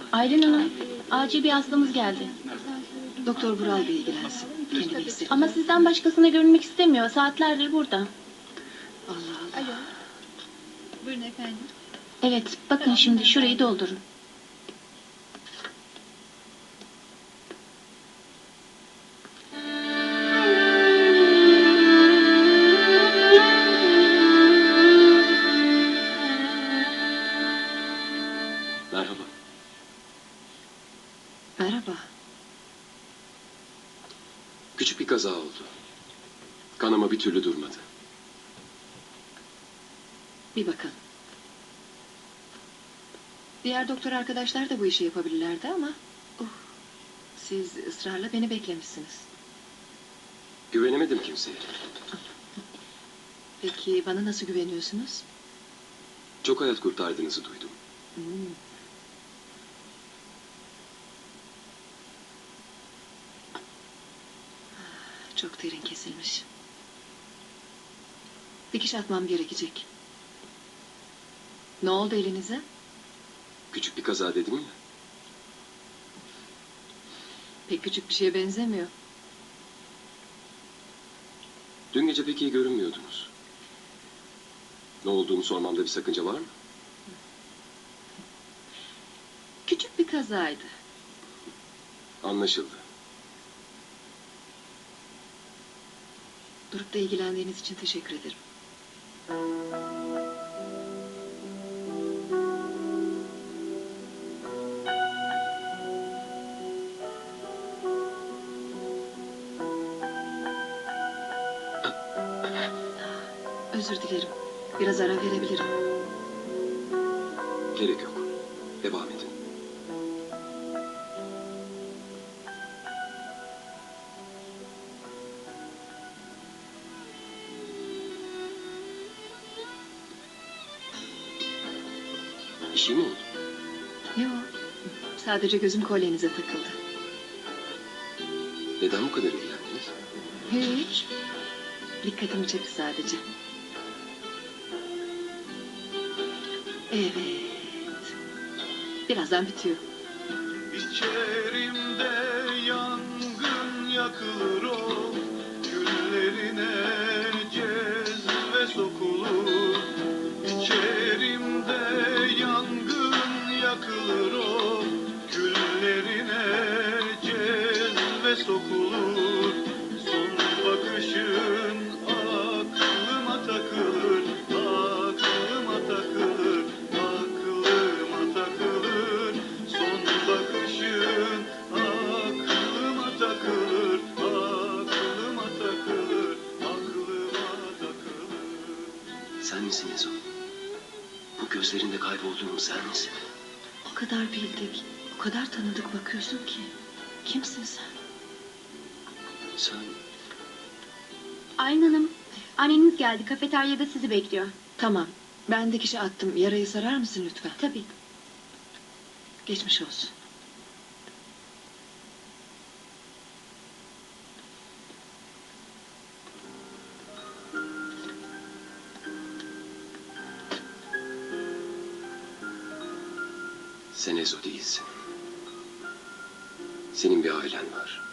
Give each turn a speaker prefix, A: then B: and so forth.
A: Aylin Hanım, acil bir hastamız geldi.
B: Doktor Vural Bey ilgilensin. Kendini hissetmiyor.
A: Ama sizden başkasına görünmek istemiyor. Saatlerdir burada.
B: Allah Allah.
C: Alo. Buyurun efendim.
A: Evet, bakın şimdi şurayı doldurun.
D: Merhaba.
B: Merhaba.
D: Küçük bir kaza oldu. Kanama bir türlü durmadı.
B: Bir bakın. Diğer doktor arkadaşlar da bu işi yapabilirlerdi ama... siz ısrarla beni beklemişsiniz.
D: Güvenemedim kimseye.
B: Peki bana nasıl güveniyorsunuz?
D: Çok hayat kurtardığınızı duydum.
B: Hmm. Çok derin kesilmiş. Dikiş atmam gerekecek. Ne oldu elinize?
D: Küçük bir kaza dedim ya.
B: Pek küçük bir şeye benzemiyor.
D: Dün gece pek iyi görünmüyordunuz. Ne olduğunu sormamda bir sakınca var mı?
B: Küçük bir kazaydı.
D: Anlaşıldı.
B: Durup da ilgilendiğiniz için teşekkür ederim. Özür dilerim. Biraz ara verebilirim.
D: Gerek yok. Devam edin. Bir şey mi oldu?
B: Yok. Sadece gözüm kolyenize takıldı.
D: Neden bu kadar ilgilendiniz?
B: Hiç. Dikkatimi çekti sadece. Evet. Birazdan bitiyor.
E: İçerimde yangın yakılır o güllerine cezve sokulur. İçerimde yangın yakılır o güllerine cezve sokulur. Son bakışın aklıma takılır, aklıma takılır, aklıma takılır. Son bakışın aklıma takılır, aklıma takılır, aklıma takılır.
D: Sen misin Ezo? Bu gözlerinde kaybolduğum sen misin?
B: O kadar bildik, o kadar tanıdık bakıyorsun ki. Kimsin sen?
D: Sen...
A: Aylin Hanım, anneniz geldi. Kafeteryada sizi bekliyor.
B: Tamam. Ben dikişi attım. Yarayı sarar mısın lütfen?
A: Tabii.
B: Geçmiş olsun.
D: Sen Ezo değilsin. Senin bir ailen var.